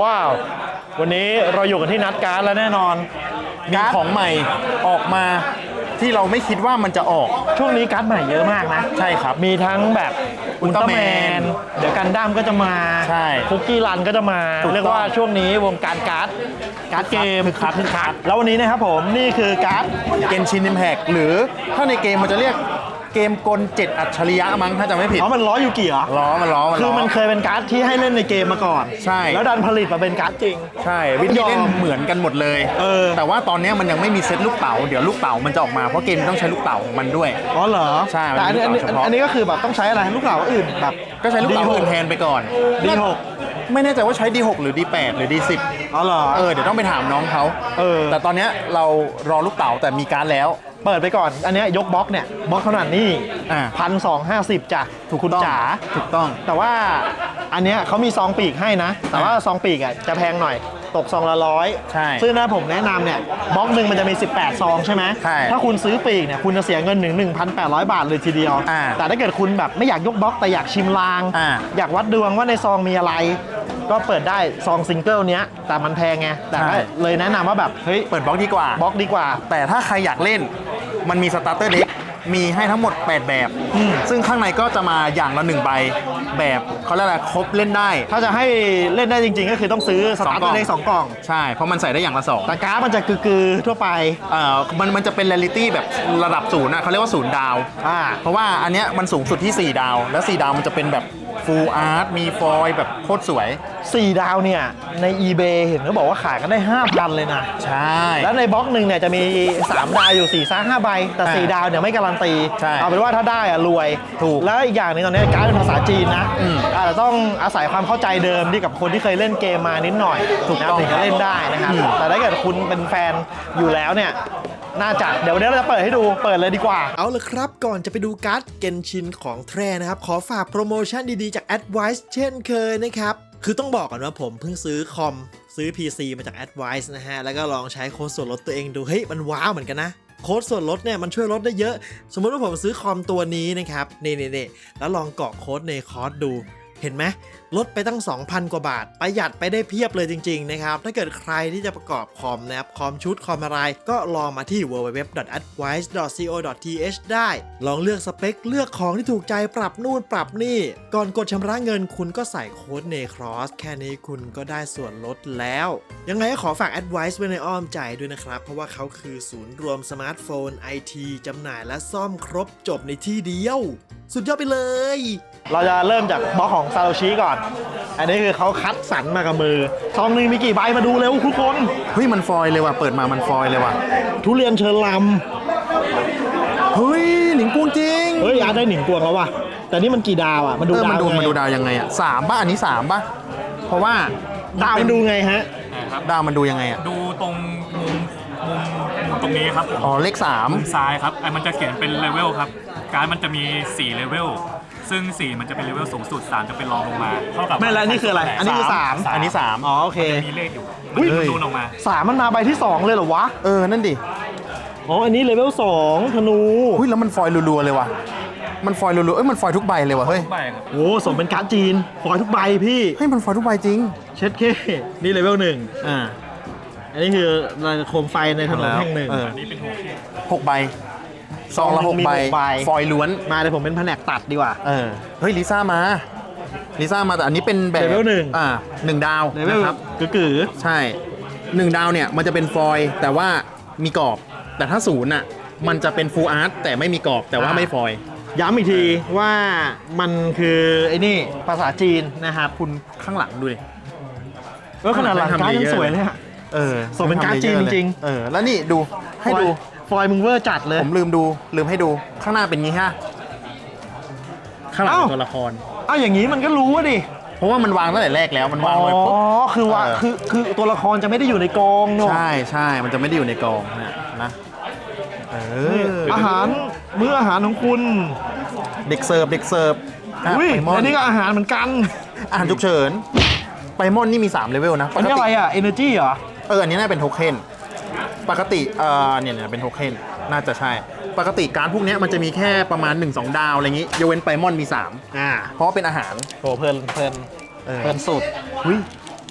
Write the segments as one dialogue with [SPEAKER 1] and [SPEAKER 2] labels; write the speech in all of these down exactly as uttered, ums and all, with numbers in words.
[SPEAKER 1] ว้าววันนี้เราอยู่กันที่นัดการ์ดแล้วแน่นอน
[SPEAKER 2] มีของใหม่ออกมาที่เราไม่คิดว่ามันจะออก
[SPEAKER 1] ช่วงนี้การ์ดใหม่เยอะมากนะ
[SPEAKER 2] ใช่ครับ
[SPEAKER 1] มีทั้งแบบอุลตร้าแมนเดี๋ยวกันดั้มก็จะมา
[SPEAKER 2] ใช่
[SPEAKER 1] คุกกี้รันก็จะมาเรียกว่าช่วงนี้วงการการ์ดการ์ดเกม
[SPEAKER 2] คึกคักคึกคัก
[SPEAKER 1] แล้ววันนี้นะครับผมนี่คือการ์ด
[SPEAKER 2] เกนชินอิมแพคหรือถ้าในเกมมันจะเรียกเกมกลเจ็ดอัจฉริยะมั้งถ้าจำไม่ผิด
[SPEAKER 1] อ๋อมันล้อยูกิเหรอ
[SPEAKER 2] ล้อมันล้อมัน
[SPEAKER 1] คือมันเคยเป็นการ์ดที่ให้เล่นในเกมมาก่อน
[SPEAKER 2] ใช่
[SPEAKER 1] แล้วดันผลิตมาเป็นการ์ดจริง
[SPEAKER 2] ใช่วิธีเล่นเหมือนกันหมดเลย
[SPEAKER 1] เออ
[SPEAKER 2] แต่ว่าตอนนี้มันยังไม่มีเซตลูกเต๋าเดี๋ยวลูกเต๋ามันจะออกมาเพราะเกมต้องใช้ลูกเต๋าของมันด้วย
[SPEAKER 1] อ๋อเหรอ
[SPEAKER 2] ใช่
[SPEAKER 1] แต่อันนี้อันนี้อันนี้ก็คือแบบต้องใช้อะไรลูกเต๋าอื่นแบบ
[SPEAKER 2] ก็ใช้ลูกเต๋าอื่นแทนไปก่อน
[SPEAKER 1] ดี หก
[SPEAKER 2] ไม่แน่ใจว่าใช้ ดี หก หรือ ดี แปด หรือ ดี สิบ
[SPEAKER 1] อ๋อเหรอ
[SPEAKER 2] เออเดี๋ยวต้องไปถามน้องเขา
[SPEAKER 1] เออ
[SPEAKER 2] แต่ตอนนี้เรารอลูกเต๋าแต่มีการแล้ว
[SPEAKER 1] เปิดไปก่อนอันนี้ยกบล็อกเนี่ยบล็อกขนาดนี้พันสองห้าสิบจ้ะถูกคุณจ๋า
[SPEAKER 2] ถูกต้อง
[SPEAKER 1] แต่ว่าอันเนี้ยเขามีซองปีกให้นะแต่ว่าซองปีกอ่ะจะแพงหน่อยตกซองละร้อย
[SPEAKER 2] ใช่
[SPEAKER 1] ซึ่งนะผมแนะนำเนี่ยบล็อกหนึ่งมันจะมีสิบแปดซองใช่ไหม
[SPEAKER 2] ใช่
[SPEAKER 1] ถ้าคุณซื้อปีกเนี่ยคุณจะเสียเงินหนึ่งหนึ่งพันแปดร้อยบาทเลยทีเดียวแต่ถ้าเกิดคุณแบบไม่อยากยกบล็อกแต่อยากชิมลางออยากวัดดวงว่าในซองมีอะไรก็เปิดได้ซองซิงเกิลเนี้ยแต่มันแพงไงแต่เลยแนะนำว่าแบบเฮ้ย
[SPEAKER 2] เปิดบล็อกดีกว่า
[SPEAKER 1] บล็อกดีกว่า
[SPEAKER 2] แต่ถ้าใครอยากเล่นมันมีสตาร์เตอร์เด็กมีให้ทั้งหมดแปดแบบซึ่งข้างในก็จะมาอย่างละหนึ่งใบแบบเขาเรียกอะไรครบเล่นได้
[SPEAKER 1] ถ้าจะให้เล่นได้จริงๆก็คือต้องซื้อสตาร์เตอร์เด็กสองกล่อง
[SPEAKER 2] ใช่เพราะมันใส่ได้อย่างละสอง
[SPEAKER 1] แต่การ์ดมันจะกือๆทั่วไป
[SPEAKER 2] เอ่อมันมันจะเป็นเรียลิตี้แบบระดับศูนย์นะเขาเรียกว่าศูนย์ดาว
[SPEAKER 1] อ่า
[SPEAKER 2] เพราะว่าอันเนี้ยมันสูงสุดที่สี่ดาวแล้วสี่ดาวมันจะเป็นแบบฟูลอาร์ตมีฟอยล์แบบโคตรสวย
[SPEAKER 1] สี่ดาวเนี่ยใน eBay เห็นเขาบอกว่าขายกันได้ ห้าพัน เลยนะ
[SPEAKER 2] ใช่
[SPEAKER 1] แล้วในบล็อกหนึ่งเนี่ยจะมีสามดาวอยู่สี่ซ่าห้าใบแต่สี่ดาวเนี่ยไม่การันตีเอาเป็นว่าถ้าได้อะรวย
[SPEAKER 2] ถูก
[SPEAKER 1] แล้วอีกอย่างนึงตอนนี้การ์ดเป็นภาษาจีนนะอาจจะต้องอาศัยความเข้าใจเดิมที่กับคนที่เคยเล่นเกมมานิดหน่อย
[SPEAKER 2] ถูกต้อง
[SPEAKER 1] ถึงจะเล่นได้นะครับแต่ถ้าเกิดคุณเป็นแฟนอยู่แล้วเนี่ยน่าจะเดี๋ยววันนี้เราจะเปิดให้ดูเปิดเลยดีกว่าเอาละครับก่อนจะไปดูการ์ดเกนชินของแท้นะครับขอฝากโปรโมชั่นดีๆจาก Advice เช่นเคยนะครับคือต้องบอกก่อนว่าผมเพิ่งซื้อคอมซื้อ พี ซี มาจาก Advice นะฮะแล้วก็ลองใช้โค้ดส่วนลดตัวเองดูเฮ้ยมันว้าวเหมือนกันนะโค้ดส่วนลดเนี่ยมันช่วยลดได้เยอะสมมติว่าผมซื้อคอมตัวนี้นะครับนี่ๆๆแล้วลองกรอกโค้ดในคอร์สดูเห็นไหมลดไปตั้ง สองพัน กว่าบาทประหยัดไปได้เพียบเลยจริงๆนะครับถ้าเกิดใครที่จะประกอบคอมนะครับคอมชุดคอมอะไรก็ลองมาที่ ดับเบิลยู ดับเบิลยู ดับเบิลยู ดอท แอดไวซ์ ดอท ซี โอ ดอท ที เอช ได้ลองเลือกสเปคเลือกของที่ถูกใจปรับนู่นปรับนี่ก่อนกดชำระเงินคุณก็ใส่โค้ด เนครอส แค่นี้คุณก็ได้ส่วนลดแล้วยังไงก็ขอฝาก Advice ไว้ในอ้อมใจด้วยนะครับเพราะว่าเขาคือศูนย์รวมสมาร์ทโฟน ไอ ที จำหน่ายและซ่อมครบจบในที่เดียวสุดยอดไปเลยเราจะเริ่มจากบล็อกของซาโตชิก่อนอันนี้คือเขาคัดสรรมากับมือซองนึงมีกี่ใบมาดูเร็วทุกคน
[SPEAKER 2] เฮ้ยมันฟอยเลยว่ะเปิดมามันฟอยเลยว่ะ
[SPEAKER 1] ทุเรียนเชิญล
[SPEAKER 2] ำเฮ้ยหนิงกวงจริง
[SPEAKER 1] เฮ้ยอาได้หนิงกวงแล้วว่ะแต่นี่มันกี่ดาวอ่ะมันดูดาว
[SPEAKER 2] มันดูมันดูดาวยังไงอ่ะสามป่ะอันนี้สามป่ะเพราะว่า
[SPEAKER 1] ดาวมันดูไงฮะ
[SPEAKER 2] ดาวมันดูยังไงอ่ะ
[SPEAKER 3] ดูตรงมุมมุมมุมตรงนี้ครับผม
[SPEAKER 2] อ๋อเลขสาม
[SPEAKER 3] มุมซ้ายครับไอ้มันจะเขียนเป็นเลเวลครับการมันจะมีสี่เลเวลซึ่งสี่มันจะเป็นเลเวลสูงสุดสามจะเป็นรองลงมาเท่ากับ
[SPEAKER 1] ไม่แล้วนี่คืออะไรอันนี้คือสาม
[SPEAKER 2] อันนี้สาม
[SPEAKER 1] อ๋อโอเค
[SPEAKER 3] มีเลขอยู่มันจะนูนออกมา
[SPEAKER 1] สามมันมาใบที่สองเลยเหรอวะ
[SPEAKER 2] เออนั่นดิ
[SPEAKER 1] อ๋ออันนี้เลเวลสองธนู
[SPEAKER 2] เฮ้ยแล้วมันฟอยรัวๆเลยว่ะมันฟอยรัวๆเอ้ยมันฟอยทุกใบเลยว่ะเฮ้ย
[SPEAKER 1] โอ้สมเป็นการ์ดจีนฟอยทุกใบพี่
[SPEAKER 2] ให้มันฟอยทุกใบจริง
[SPEAKER 1] เช็ดเคนี่เลเวลหนึ่งอ่าอันนี้คือโคมไฟในถนนแห่งหนึ่ง
[SPEAKER 3] อันนี้เป็น
[SPEAKER 2] หกใบซองละหกใบฟอยล้วน
[SPEAKER 1] มาเลยผมเป็นแผนกตัดดีกว่า
[SPEAKER 2] เออเฮ้ยลิซ่ามาลิซ่ามาแต่อันนี้เป็นแบบ
[SPEAKER 1] เลเวลหนึ่ง
[SPEAKER 2] อ่าหนึ่งดาว
[SPEAKER 1] นะครับกือ
[SPEAKER 2] ใช่หนึ่งดาวเนี่ยมันจะเป็นฟอยแต่ว่ามีกรอบแต่ถ้าศูนย์อ่ะมันจะเป็นฟูลอาร์ตแต่ไม่มีกรอบแต่ว่าไม่ฟอย
[SPEAKER 1] ย้ำอีกทีว่ามันคือไอ้นี่ภาษาจีนนะครับ
[SPEAKER 2] คุณข้างหลังดูดิ
[SPEAKER 1] เออขนาดหลังการ์ดยังสวยเลยฮะ
[SPEAKER 2] เออ
[SPEAKER 1] สมเป็นการ์ดจีนจริง
[SPEAKER 2] เออแล้วนี่ดูให้ดู
[SPEAKER 1] ฟอยมึงเวอร์จัดเลย
[SPEAKER 2] ผมลืมดูลืมให้ดูข้างหน้าเป็นงี้ฮะข้างหลังตัวละคร
[SPEAKER 1] อ้าวอย่างนี้มันก็รู้ว่าดิ
[SPEAKER 2] เพราะว่ามันวางตั้งแต่แรกแล้วมันวางไว้
[SPEAKER 1] ปุ๊บอ๋อคือว่าคือคือตัวละครจะไม่ได้อยู่ในกองเนาะ
[SPEAKER 2] ใช่ใช่มันจะไม่ได้อยู่ในกองนะนะเออ
[SPEAKER 1] อาหารมื้ออาหารของคุณ
[SPEAKER 2] เด็กเสิร์ฟเด็กเสิร์ฟ
[SPEAKER 1] อุ้ยอันนี้ก็อาหารเหมือนกัน
[SPEAKER 2] อาหารฉุกเฉินไปมอนนี่มีสามเลเวลนะ
[SPEAKER 1] อันนี้อะไรอ่ะ Energy เหรอ
[SPEAKER 2] เอออันนี้น่าเป็นโทเค็นปกติเออเนี่ยเนี่ยเป็นโทเค็นน่าจะใช่ปกติการพวกนี้มันจะมีแค่ประมาณ หนึ่งสอง ดาวอะไรอย่างงี้ยกเว้นไปมอนมีสาม
[SPEAKER 1] อ่า
[SPEAKER 2] เพราะเป็นอาหาร
[SPEAKER 1] โหเพลินเพลินเพลินสุด
[SPEAKER 2] อุ้ย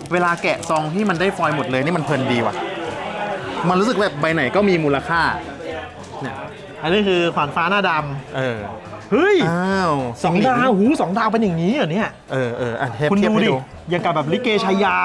[SPEAKER 2] เวลาแกะซองที่มันได้ฟอยล์หมดเลยนี่มันเพลินดีว่ะมันรู้สึกแบบใบไหนก็มีมูลค่าเนี่ย
[SPEAKER 1] อันนี้คือขวานฟ้าหน้าด
[SPEAKER 2] เออ
[SPEAKER 1] ำเฮ้ย
[SPEAKER 2] อ้าว
[SPEAKER 1] สองดาวหูสองดาวเป็นอย่างนี้เหรอเนี่ย
[SPEAKER 2] เออเอออ่ะเทป
[SPEAKER 1] คุณ
[SPEAKER 2] เทียบ
[SPEAKER 1] ดู
[SPEAKER 2] ให้
[SPEAKER 1] ดิ
[SPEAKER 2] ดู
[SPEAKER 1] อย่างกับแบบลิเกชายา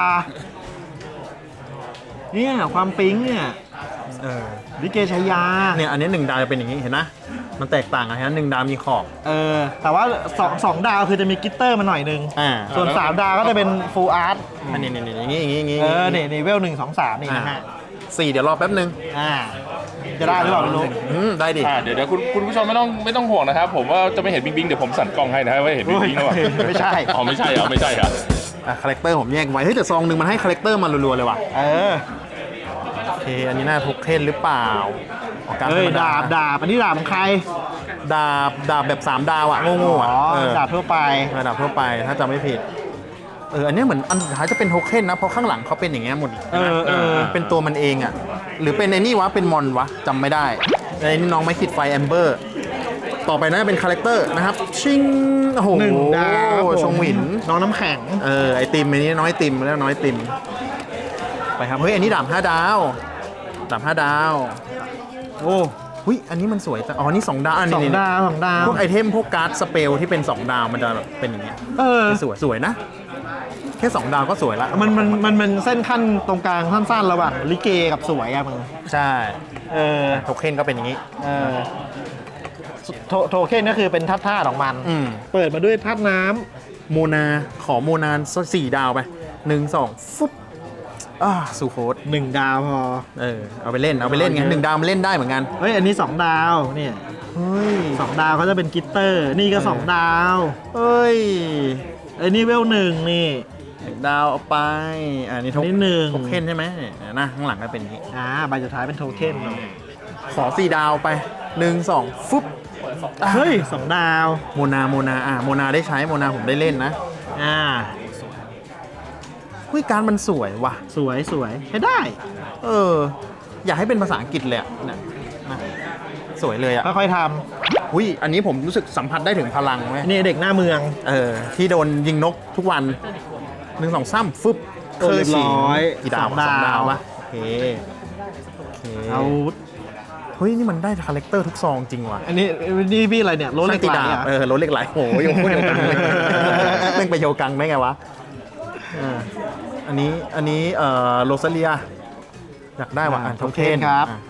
[SPEAKER 1] เนี่ยความปิ๊งเนี่ย
[SPEAKER 2] เออ
[SPEAKER 1] ลิเกชายา
[SPEAKER 2] เนี่ยอันนี้หนึ่งดาวจะเป็นอย่างนี้เห็นนะมันแตกต่างกันฮะหนึ่งดาวมีขอบ
[SPEAKER 1] เออ แต่ว่าสองสองดาวคือจะมีกลิตเตอร์มาหน่อยนึง
[SPEAKER 2] อ่า
[SPEAKER 1] ส่วนสามดาวก็จะเป็นฟูลอาร์ต
[SPEAKER 2] อันนี้นี่อย่างนี้อย่างนี้อย่างนี้
[SPEAKER 1] เออนี่นี่เวลหนึ่งสองสามนี่นะฮะ
[SPEAKER 2] สี่เดี๋ยวรอแป๊บนึง
[SPEAKER 1] อ่า จะได้หรือเปล่าไม่รู้
[SPEAKER 2] อืมได้ดิ
[SPEAKER 4] อ่าเดี๋ยวเดี๋ยวคุณคุณผู้ชมไม่ต้องไม่ต้องห่วงนะครับ ผมว่าจะไม่เห็นบิ๊กบิ๊กเดี๋ยวผมสั่นกล้องให้นะครับว่าเห็นบิ๊กบิ๊กหรือเปล่า
[SPEAKER 1] ไม่ใช่
[SPEAKER 4] อ๋อไม่ใช่เหรอไม่ใช่เหรอ
[SPEAKER 2] อ่ะคาแรคเตอร์ผมแยกไว้เฮ้ยแต่ซองหนึ่งมันให้คาแรคเตอร์มารัวๆเลยว่ะ
[SPEAKER 1] เออ
[SPEAKER 2] โอเคอันนี้น่าทุกเทนหรือเปล่าออกการ
[SPEAKER 1] เฮ้ย
[SPEAKER 2] ธรรม
[SPEAKER 1] ดาบดาบอันนี้ดาบของใคร
[SPEAKER 2] ดาบดาบแบบสามดาวอะโง่ๆ
[SPEAKER 1] อ๋
[SPEAKER 2] อะ
[SPEAKER 1] อ
[SPEAKER 2] เออ
[SPEAKER 1] ดาบทั่วไป
[SPEAKER 2] เออดาบทั่วไปถ้าจำไม่ผิดเอออันนี้เหมือนอันสุดท้ายจะเป็นโทเค็นนะเพราะข้างหลังเขาเป็นอย่างเงี้ยหมด
[SPEAKER 1] เออเออ
[SPEAKER 2] เป็นตัวมันเองอะหรือเป็นไอ้นี่วะเป็นมอนวะจำไม่ได้ไอ้นี่น้องไม่ขีดไฟแอมเบอร์ต่อไปน่าจะเป็นคาแรคเตอร์นะครับชิงโอ้โห
[SPEAKER 1] หนึ่งดาวครับผม
[SPEAKER 2] ชงหวิน
[SPEAKER 1] น้องน้ำแข็ง
[SPEAKER 2] เออไอติมอันนี้น้อยติมแล้วน้อยติมไปครับเฮ้ยอันนี้ดาบห้าดาวดาบห้าดาว
[SPEAKER 1] โอ้
[SPEAKER 2] หุ้ยอันนี้มันสวยจังอ๋อนี่สองดาวอัน
[SPEAKER 1] สอง
[SPEAKER 2] นี้
[SPEAKER 1] ดาวสองดาว
[SPEAKER 2] พวกไอเทมพวกการ์ดสเปลที่เป็นสองดาวมันจะแบบเป็นอย่างเงี้ย
[SPEAKER 1] เออ
[SPEAKER 2] สวยสวยนะ แค่สองดาวก็สวยละ
[SPEAKER 1] มันมันมันมันเส้นขั้นตรงกลางสั้นๆระหว่างลิเกกับสวยอะมึง
[SPEAKER 2] ใช่
[SPEAKER 1] เออ
[SPEAKER 2] โทเค็นก็เป็นอย่างงี้
[SPEAKER 1] เออโทโทเค็นก็คือเป็นธาตุธาตุของมัน
[SPEAKER 2] อืม
[SPEAKER 1] เปิดมาด้วยธาตุน้ำ
[SPEAKER 2] โมนาขอโมนาสี่ดาวไปหนึ่งสองฟุ๊บอ่าสูโคต
[SPEAKER 1] หนึ่งดาวพอ
[SPEAKER 2] เออเอาไปเล่นเอาไปเล่นไงหนึ่งดาวมันเล่นได้เหมือนกัน
[SPEAKER 1] เฮ้ย อันนี้สองดาวเนี่ย
[SPEAKER 2] เฮ้ย
[SPEAKER 1] สองดาวเขาจะเป็นกลิตเตอร์ นี่ก็
[SPEAKER 2] เออ
[SPEAKER 1] สองดาว
[SPEAKER 2] เฮ้ย
[SPEAKER 1] ไอ้นี่เวลหนึ่งนี่
[SPEAKER 2] หนึ่งดาวเอาไปอ่านี่โท
[SPEAKER 1] อันนี้หนึ่ง
[SPEAKER 2] โทเค็นใช่ไหมเนี่ยนะข้างหลังก็เป็นอย่างงี้
[SPEAKER 1] อ่าใบสุดท้ายเป็นโทเค็นเนอะ
[SPEAKER 2] ขอสี่ดาวไปหนึ่งสองฟุ๊บอ่ะ
[SPEAKER 1] เฮ้ยสองดาว
[SPEAKER 2] โมนาโมนาอ่ะโมนาได้ใช้โมนาผมได้เล่นนะ
[SPEAKER 1] อ่า
[SPEAKER 2] คุยการดมันสวยว่ะ
[SPEAKER 1] สวยสวยใช้ได้
[SPEAKER 2] เออ อยากให้เป็นภาษาอังกฤษเลยอะเนี่ยนะสวยเลยอ่ะ
[SPEAKER 1] ค่อยๆท
[SPEAKER 2] อุ้ยอันนี้ผมรู้สึกสัมผัสได้ถึงพลังไหม
[SPEAKER 1] ำอันนี้เด็กหน้าเมือง
[SPEAKER 2] เออที่โดนยิงนกทุกวันหนึ่งสองซ้ำฟึบ
[SPEAKER 1] โอ้เรียบร้อย
[SPEAKER 2] กี่ดาว
[SPEAKER 1] สองดาว
[SPEAKER 2] สองดาววะโอเคโอเค
[SPEAKER 1] เอา
[SPEAKER 2] เฮ้ยนี่มันได้คาแรคเตอร์ทุกซองจริงว่ะ
[SPEAKER 1] อันนี้นี่พี่อะไรเนี่ยรถเหล็กไหล
[SPEAKER 2] ช่างตีดาบ
[SPEAKER 1] อะ
[SPEAKER 2] เออรถเหล็กไหลโอ้โหยังพูดโยกังเลยแม่งไปโยกังได้ไงวะอ่าอันนี้อันนี้เอ่อโรซาเลียอยากได้ว่ะอ่านโทเค็น
[SPEAKER 1] ครับ
[SPEAKER 2] อ่ะ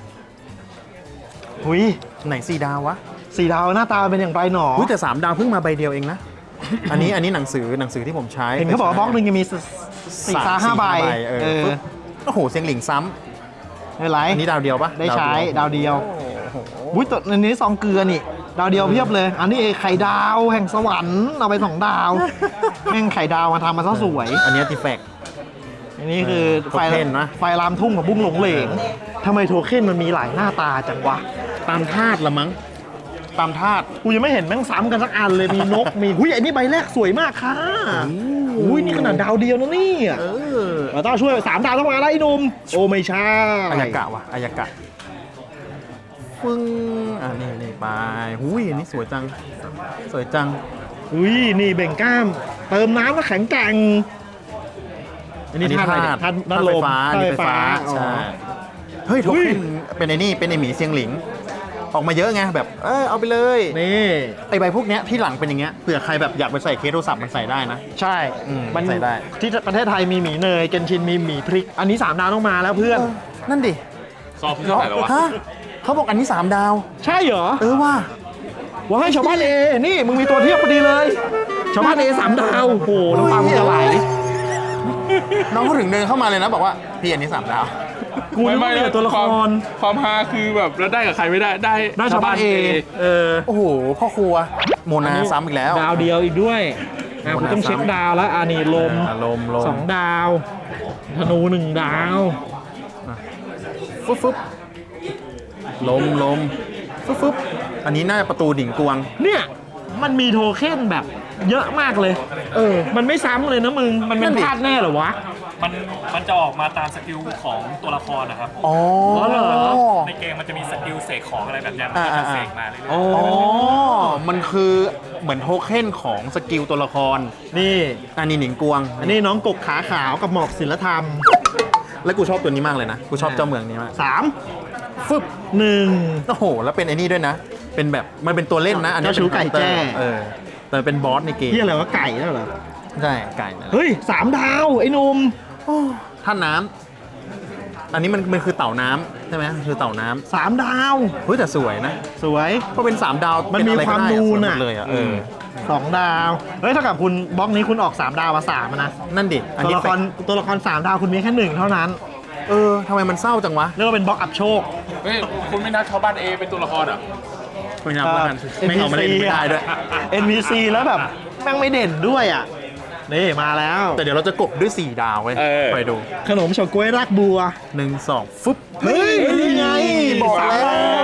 [SPEAKER 1] หุย
[SPEAKER 2] ไหนสี่ดาววะ
[SPEAKER 1] สี่ดาวหน้าตาเป็นอย่างไรหนอ
[SPEAKER 2] อุ้ยแต่สามดาวเพิ่งมาใบเดียวเองนะ อันนี้อันนี้หนังสือหนังสือที่ผมใช้
[SPEAKER 1] เห็นเขาบอกว่าบล็อกหนึ่งจะมีสี่ตาห้าใบ
[SPEAKER 2] เอ
[SPEAKER 1] เอ
[SPEAKER 2] อ
[SPEAKER 1] อ
[SPEAKER 2] ปึ๊บโอ้โหเสียงหลิงซ้
[SPEAKER 1] ไม่เป็นไร
[SPEAKER 2] ำอันนี้ดาวเดียวปะ
[SPEAKER 1] ได้ใช้ดาวเดียว
[SPEAKER 2] โอ้โห
[SPEAKER 1] อุ้ยตัวอันนี้ซองเกลือนี่ ดาวเดียวเพียบเลย อันนี้ไข่ดาวแห่งสวรรค์เอาไปสองดาว แม่งไข่ดาวมาทำมาซะสวย
[SPEAKER 2] อันนี้อาร์ติแฟกต์
[SPEAKER 1] อันนี้คือ
[SPEAKER 2] เออ
[SPEAKER 1] ไฟ
[SPEAKER 2] โทเค็นนะ
[SPEAKER 1] ไฟลามทุ่งกับบุ้งหลงเหลงทำไมโทเค็นมันมีหลายหน้าตาจังวะ
[SPEAKER 2] ตามธาตุละมั้งตามธาตุ
[SPEAKER 1] กูยังไม่เห็นแม่งซ้ำกันสักอันเลย มีนก มีหุ้ยอันนี้ใบแรกสวยมากค่ะอุ้ยนี่ขนาดดาวเดียวนะเนี่ย
[SPEAKER 2] เออ
[SPEAKER 1] เราต้องช่วยสามดาวต้องมาแล้วไอ้หนุ่มโอ้ไม่ใช่
[SPEAKER 2] อายากะวะอายากะฟึ้งอ่านี่นี่ไปหุยอันนี้สวยจัง สวยจัง
[SPEAKER 1] อุ้ยนี่เบ่งกล้าม เติมน้ำแล้วแข็งแกร่งอันนี้ธาตุอะไรเนี่ยธาตุธาตุลม
[SPEAKER 2] ธาตุไฟฟ้า
[SPEAKER 1] อ๋อ
[SPEAKER 2] ใช่เฮ้ยโท
[SPEAKER 1] อุ้ย
[SPEAKER 2] เค็นเป็นไอ้นี่เป็นไอหมีเซียงหลิง ออกมาเยอะไงแบบเออเอาไปเลย
[SPEAKER 1] นี่
[SPEAKER 2] ไอใบพวกเนี้ยที่หลังเป็นอย่างเงี้ยเผื่อใครแบบอยากไปใส่เคสโทรศัพท์มันใส่ได้นะ
[SPEAKER 1] ใช่
[SPEAKER 2] อืม
[SPEAKER 1] มัน
[SPEAKER 2] ใส่ได้
[SPEAKER 1] ที่ประเทศไทยมีหมีเนยเกนชินมีหมีพริก อันนี้สามดาวต้องมาแล้วเพื่อน
[SPEAKER 2] นั่นดิ
[SPEAKER 4] ซอฟต์เท่าไหร่แล้ววะ
[SPEAKER 2] ฮะเขาบอกอันนี้สามดาว
[SPEAKER 1] ใช่เหรอ
[SPEAKER 2] เออว่า
[SPEAKER 1] ว่าให้ชาวบ้านเอ นี่มึงมีตัวเทียบพอดีเลย ชาวบ้านเอสามดาว โอ้โหน้ำตามึงจะไหล
[SPEAKER 2] น้องเขาถึงเดินเข้ามาเลยนะบอกว่าพี่อันนี้สามดาว
[SPEAKER 1] กูนึกว่ามีแต่ตัวละค
[SPEAKER 4] วาม
[SPEAKER 1] ร
[SPEAKER 4] ความฮาคือแบบแล้วได้กับใครไม่ได้ได้
[SPEAKER 1] ได้ชาวบ้านเอ เออ
[SPEAKER 2] โอ้โหพ่อครัวโมนาซ้ำอีกแล้ว
[SPEAKER 1] ดาวเดียวอีกด้วยอ่ะ
[SPEAKER 2] โม
[SPEAKER 1] กู
[SPEAKER 2] นา
[SPEAKER 1] ต้องเช็ค
[SPEAKER 2] ซ้ำ
[SPEAKER 1] ดาวแล้วอ่านี่ลม
[SPEAKER 2] อ่าลมลม
[SPEAKER 1] สองดาว ธนูหนึ่งดาว
[SPEAKER 2] ฟึบฟึบลมลมฟึบฟึบอันนี้น่าจะประตูดิ่งกวง
[SPEAKER 1] เนี่ยมันมีโทเค็นแบบเยอะมากเลย เออ มันไม่ซ้ำเลยนะมึง มันเป็น
[SPEAKER 2] นั่นดิ
[SPEAKER 1] พลาดแน่เหรอวะ
[SPEAKER 3] มันมันจะออกมาตามสกิลของตัวละครนะครับ
[SPEAKER 2] อ๋อ
[SPEAKER 3] ในเกมมันจะมีสกิลเสกของอะไรแบบเนี้ยมัน
[SPEAKER 2] อ่า
[SPEAKER 3] ก็จะ
[SPEAKER 2] อ่า
[SPEAKER 3] เสกมาเรื่อย
[SPEAKER 2] อ๋อ มันคือเหมือนโทเค็นของสกิลตัวละคร
[SPEAKER 1] นี่
[SPEAKER 2] อันนี้หนิงกวง
[SPEAKER 1] อันนี้น้องกบขาขาวกับหมอกศิลธรรม
[SPEAKER 2] แล้วกูชอบตัวนี้มากเลยนะ กูชอบเจ้าเมืองนี้มาก
[SPEAKER 1] สามฟึบหนึ่ง
[SPEAKER 2] โอ้โห แล้วเป็นไอ้นี่ด้วยนะ เป็นแบบ มันเป็นตัวเล่นนะ อันนี้
[SPEAKER 1] เจ้าชู้ไก่แจ้
[SPEAKER 2] เออ แต่เป็นบอสในเกม
[SPEAKER 1] ที่อะไรวะไก่แล้วเหรอ
[SPEAKER 2] ใช่ ไก่นั่นแหละ
[SPEAKER 1] เฮ้ยสามดาวไอ้หนุ่ม
[SPEAKER 2] ท่านน้ำ อันนี้มันมันคือเต่าน้ำใช่ไหมคือเต่าน้ำ
[SPEAKER 1] สามดาว
[SPEAKER 2] เฮ้ยแต่สวยนะ
[SPEAKER 1] สวย
[SPEAKER 2] เพราะเป็นสามดาว
[SPEAKER 1] มันมี
[SPEAKER 2] เป็อะ
[SPEAKER 1] ความ
[SPEAKER 2] ไรก็ได้
[SPEAKER 1] นูน
[SPEAKER 2] สวยห
[SPEAKER 1] อ่ะ
[SPEAKER 2] มดเลยอ่ะ เออ
[SPEAKER 1] สองดาว เฮ้ยเท่ากับคุณบล็อกนี้คุณออกสามดาวมาสามอะนะ
[SPEAKER 2] นั่นดิ อัน
[SPEAKER 1] ตัว
[SPEAKER 2] นี้
[SPEAKER 1] ละครตัวละครสามดาวคุณมีแค่หนึ่งเท่านั้น
[SPEAKER 2] เออทำไมมันเศร้าจังวะ
[SPEAKER 1] เรียกว่าเป็นบล็อกอัพโชค
[SPEAKER 4] เฮ้ยคุณไม่นับชาวบ้านเอเป็นตัวละครเหรอ
[SPEAKER 2] ไม่นับแล้วกันไม่เอามาเล่นไม่ได้ด้วย
[SPEAKER 1] เอ็น พี ซี แล้วแบบแม่งไม่เด่นด้วยอ่ะ นี่มาแล้ว
[SPEAKER 2] แต่เดี๋ยวเราจะกบด้วยสี่ดาวเว้ย
[SPEAKER 4] เออ
[SPEAKER 2] ไปดู
[SPEAKER 1] ขนมเฉาก๊วยรากบัว
[SPEAKER 2] หนึ่งสองฟึบ
[SPEAKER 1] เฮ้ยนี่ไง
[SPEAKER 2] บอกแล้ว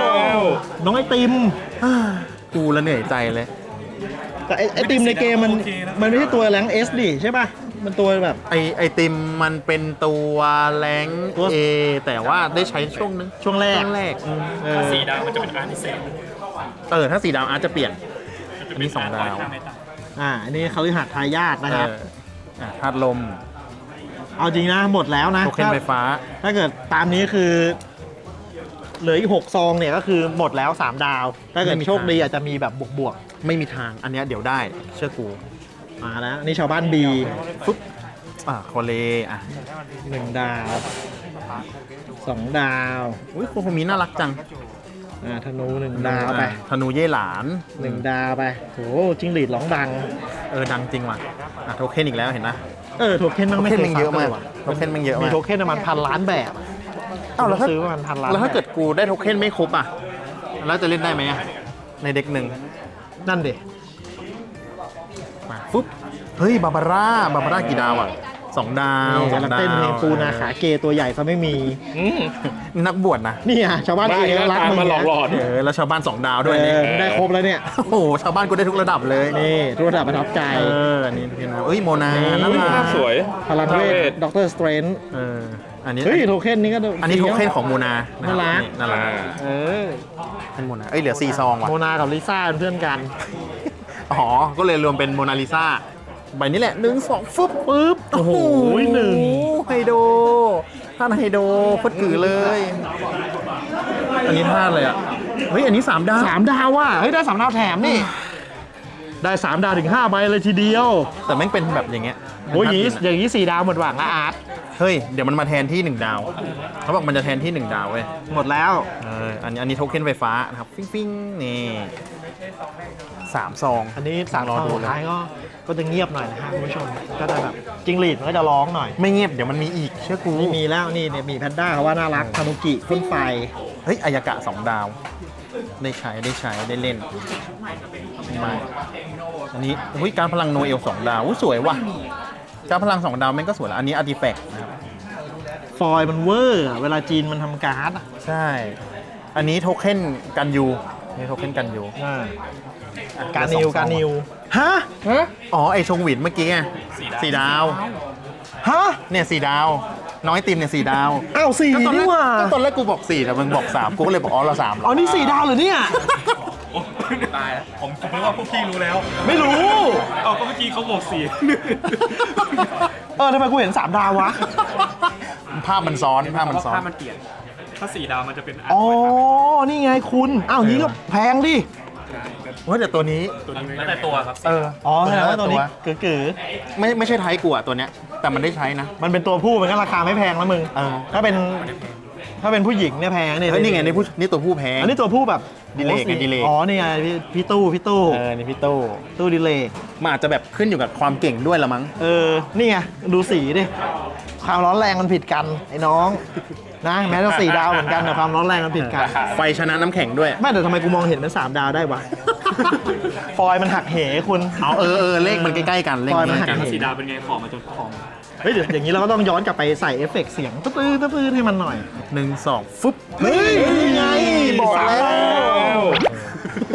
[SPEAKER 1] น้องไอติม
[SPEAKER 2] กูละเหนื่อยใจเลย
[SPEAKER 1] แต่ไอไอติมในเกมมันมันไม่ใช่ตัวแรงเอสดิใช่ป่ะ มันตัวแบบ
[SPEAKER 2] ไอไอติมมันเป็นตัวแรง
[SPEAKER 1] ตัว
[SPEAKER 2] เอแต่ว่าได้ใช้ช่วงนึง
[SPEAKER 1] ช่วงแรก
[SPEAKER 2] ช่วงแรกอืม
[SPEAKER 1] เออ
[SPEAKER 3] ๆสี่ดาวมันจะเป็นอาร์ติเซน
[SPEAKER 2] เออถ้าสี่ดาวอาจจะเปลี่ยน อันนี้สองดาว
[SPEAKER 1] อ่าอันนี้คฤหาสน์ทายาทนะครับ
[SPEAKER 2] เอออ่ะธาตุลม
[SPEAKER 1] เอาจริงนะหมดแล้วนะ
[SPEAKER 2] โทเค็นไฟฟ้า
[SPEAKER 1] ถ้าเกิดตามนี้คือเหลืออีกหกซองเนี่ยก็คือหมดแล้วสามดาว ถ้าเกิด
[SPEAKER 2] ไม่มี
[SPEAKER 1] โชค
[SPEAKER 2] ทาง
[SPEAKER 1] ดีอาจจะมีแบบบวก
[SPEAKER 2] ไม่มีทางอันเนี้ยเดี๋ยวได้เชื่อกู
[SPEAKER 1] ๆมาแล้วนี่ชาวบ้านบี
[SPEAKER 2] ฟึบอ่ะโคเลอ่ะ
[SPEAKER 1] หนึ่งดาวสองดาว
[SPEAKER 2] อุ้ยโคโคมิน่ารักจัง
[SPEAKER 1] อ่าธนูหนึ่งดาวไป
[SPEAKER 2] อ่ะธนูเย่หลาน
[SPEAKER 1] หนึ่งดาวไปโหจิ้งหรีดร้องดัง
[SPEAKER 2] เออดังจริงว่ะอ่ะโทเค็นอีกแล้วเห็นนะ
[SPEAKER 1] เออโทเค็นมัน
[SPEAKER 2] โท
[SPEAKER 1] ไม่
[SPEAKER 2] เค็น
[SPEAKER 1] เค
[SPEAKER 2] มัน
[SPEAKER 1] ย
[SPEAKER 2] เยอะมาก
[SPEAKER 1] ว่ะ
[SPEAKER 2] โทเค็นมันเยอะ
[SPEAKER 1] มี
[SPEAKER 2] มาก
[SPEAKER 1] โทเค็นประมาณพันล้านแบบ
[SPEAKER 2] อ้าวแล้วถ้า
[SPEAKER 1] ซื้อประมาณพันล้าน
[SPEAKER 2] แล้วถ้า
[SPEAKER 1] บบ
[SPEAKER 2] เกิดกูได้โทเค็นไม่ครบอ่ะ แล้วจะเล่นได้ไหมอ่ะ ในเด็กหนึ่ง
[SPEAKER 1] นั่นดิ
[SPEAKER 2] มาปุ๊บ เฮ้ย บาบาร่า บาบาร่ากี่ดาวอ่ะสองดาว
[SPEAKER 1] นี่
[SPEAKER 2] สอง
[SPEAKER 1] กำลัง
[SPEAKER 2] ดาว
[SPEAKER 1] เต้นเพลงปูนาขาเกตัวใหญ่ซะไม่มี
[SPEAKER 4] อืม
[SPEAKER 2] นักบวชนะ
[SPEAKER 1] นี่อ่ะชาวบ้าน
[SPEAKER 4] บ้า
[SPEAKER 1] เอง
[SPEAKER 4] แล้ว
[SPEAKER 1] รัก
[SPEAKER 4] ตาม
[SPEAKER 1] มึง
[SPEAKER 4] มาหลอกหลอน
[SPEAKER 2] เออ แล้วชาวบ้านสองดาวด้วย
[SPEAKER 1] เอ
[SPEAKER 2] นี่
[SPEAKER 1] อได้ครบแล้วเนี่ย
[SPEAKER 2] โอ้โห ชาวบ้านกูได้ทุกระดับเลย
[SPEAKER 1] นี่ตัวระดับประทับใจ
[SPEAKER 2] เออ อันนี้พี่นะเอ้ย โมนา
[SPEAKER 1] นี่
[SPEAKER 2] น่า
[SPEAKER 4] อุ้ย
[SPEAKER 2] รั
[SPEAKER 4] ภาก พสวย
[SPEAKER 1] พลังเวทด็อกเตอร์สเตรนท์
[SPEAKER 2] เออ อันนี้
[SPEAKER 1] เฮ้ยโทเค็นนี้ก็
[SPEAKER 2] อันนี้โทเค็นของโมนา
[SPEAKER 1] น่ารัก
[SPEAKER 2] น่ารัก
[SPEAKER 1] เออ
[SPEAKER 2] เป็นโมนา เอ้ย เหลือสี่ซองว่ะ
[SPEAKER 1] โมนากับลิซ่าเป็นเพื่อนกัน
[SPEAKER 2] อ๋อ ก็เลยรวมเป็นโมนาลิซาใบนี้แหละหนึ่งสองฟึบปึ๊บ
[SPEAKER 1] โอ้โหหนึ่ง
[SPEAKER 2] ไฮโดท่านไฮโดโคตรกือเลย อันนี้ท่าเลยอ่ะ เฮ้ย อันนี้สามดาว
[SPEAKER 1] สามดาวว่ะเฮ้ยได้สามดาวแถมนี่ ได้สามดาวถึงห้าใบเลยทีเดียว
[SPEAKER 2] แต่แม่งเป็นแบบอย่างเงี้ย
[SPEAKER 1] โอ้ยอย่างนี้
[SPEAKER 2] นี้
[SPEAKER 1] อย่างนี้สี่ดาวหมดหวังละอาร์ต
[SPEAKER 2] เฮ้ย เดี๋ยวมันมาแทนที่หนึ่งดาว เขาบอกมันจะแทนที่หนึ่งดาวเว้ย
[SPEAKER 1] หมดแล้ว
[SPEAKER 2] เออ อันนี้อันนี้โทเค็นไฟฟ้านะครับ ฟิ้งฟิ้งนี่สามซอง
[SPEAKER 1] อันนี้สาม
[SPEAKER 2] รอ
[SPEAKER 1] ซอง
[SPEAKER 2] ดู
[SPEAKER 1] สุด
[SPEAKER 2] เลย
[SPEAKER 1] ท้ายก็ก็จะเงียบหน่อยนะฮะคุณผู้ชม ก็จะแบบจิงหรีดมันก็จะร้องหน่อย
[SPEAKER 2] ไม่เงียบ เดี๋ยวมันมีอีก เชื่อกู
[SPEAKER 1] นี่มีแล้วนี่เนี่ยมีแพนด้าเขาว่าน่ารักทานุกิพ่นไฟ
[SPEAKER 2] เฮ้ย อายากะสองดาว ได้ใช้ ได้ใช้ ได้เล่นไม่อันนี้อุ้ยการพลังโนเอลสองดาวอุ้ยสวยว่ะ การพลังสองดาวแม่งก็สวยแล้ว อันนี้อาร์ติแฟกต์นะครับ
[SPEAKER 1] ฟอยล์มันเวอร์อะเวลาจีนมันทำการ์ดอะ
[SPEAKER 2] ใช่ อันนี้โทเค็นกันยูนี่โทเค็นกันยู
[SPEAKER 1] อ่าการนิวการนิวฮะ
[SPEAKER 4] ฮะ
[SPEAKER 2] อ๋อ ไอชงหวินเมื่อกี้ไงสี่ดาว
[SPEAKER 1] ฮะ
[SPEAKER 2] เนี่ยสี่ดาว น้อยติมเนี่ยสี่ดาว
[SPEAKER 1] อ้าวสี่
[SPEAKER 2] ก็ตอนแร
[SPEAKER 1] นี่
[SPEAKER 2] ก
[SPEAKER 1] หว่า
[SPEAKER 2] ก็ตอนแรกกูบอกสี่แต่มึงบอกสามกูก็เลยบอกอ๋อเราสามเหร
[SPEAKER 1] อ๋
[SPEAKER 2] อ
[SPEAKER 1] อนี่สี่ดาวเหรอเนี่ย
[SPEAKER 3] ตายแล้วผมผมนึกว่าพวกพี่รู้แล้ว
[SPEAKER 1] ไม่รู้
[SPEAKER 3] เอาก็เมื่อกี้เขาบอกสี่
[SPEAKER 1] เออทำไมกูเห็นสามดาววะ
[SPEAKER 2] ภาพมันซ้อนภาพมันซ้อน
[SPEAKER 3] ถ้ามันเปลี่ยน ถ้าสี่ดาวมันจะเป็นอาร์ต
[SPEAKER 1] อ๋อ
[SPEAKER 3] ไว้ครับ
[SPEAKER 1] นี่ไงคุณอ้าวนี้ก็แพงดิ
[SPEAKER 2] ว่าแต่ตัวนี้
[SPEAKER 3] ตัวนี้แล้วแต่ตัวครับ
[SPEAKER 2] เออ
[SPEAKER 1] อ๋อแสดงว่าตัวนี้เก๋
[SPEAKER 2] ไม่ไม่ใช่ไทยกูอะตัวเนี้ย แต่มันได้ใช้นะ
[SPEAKER 1] ๆมันเป็นตัวผู้มันก็ราคาไม่แพงแล้วมึง
[SPEAKER 2] เออ
[SPEAKER 1] ถ้าเป็นถ้าเป็นผู้หญิงเนี่ยแพงนี่
[SPEAKER 2] เฮ้ยนี่ไงนี่ผู้นี่ตัวผู้แพ้
[SPEAKER 1] อันนี้ตัวผู้แบบ
[SPEAKER 2] ดิเลกไงดิเลก
[SPEAKER 1] อ๋อนี่ไงพี่พี่ตู้พี่ตู้
[SPEAKER 2] เออนี่พี่โต้
[SPEAKER 1] ตู้ดิเลก
[SPEAKER 2] มันอาจจะแบบขึ้นอยู่กับความเก่งด้วยละมั้ง
[SPEAKER 1] เออ นี่ไง ดูสีดิ ความร้อนแรงมันผิดกัน ไอ้น้อง นะ แม้จะสี่ดาวเหมือนกันแต่ความร้อนแรงมันผิดกัน
[SPEAKER 2] ไฟชนะน้ำแข็งด้วย
[SPEAKER 1] ไม่แต่ทำไมกูมองเห็นเป็นสามดาวได้วะ ฟอยล์มันหักเหคุณ
[SPEAKER 2] เอาเออเออเลขมันใกล้ๆกันเลข
[SPEAKER 1] ฟอยล์
[SPEAKER 2] มัน
[SPEAKER 1] มัน
[SPEAKER 2] ใก
[SPEAKER 1] หั
[SPEAKER 2] ล้
[SPEAKER 1] ก
[SPEAKER 2] ๆกัน
[SPEAKER 3] สี่ดาวเป็นไงของมาจนของ
[SPEAKER 1] เฮ้ยเดี๋ยวอย่างนี้เราก็ต้องย้อนกลับไปใส่เอฟเฟกต์เสียงตื้อตื้อตื้อให้มันหน่อย
[SPEAKER 2] หนึ่งสองฟึบ
[SPEAKER 1] เฮ้ยนี่ไง
[SPEAKER 2] บอกแล้ว
[SPEAKER 1] สามดาว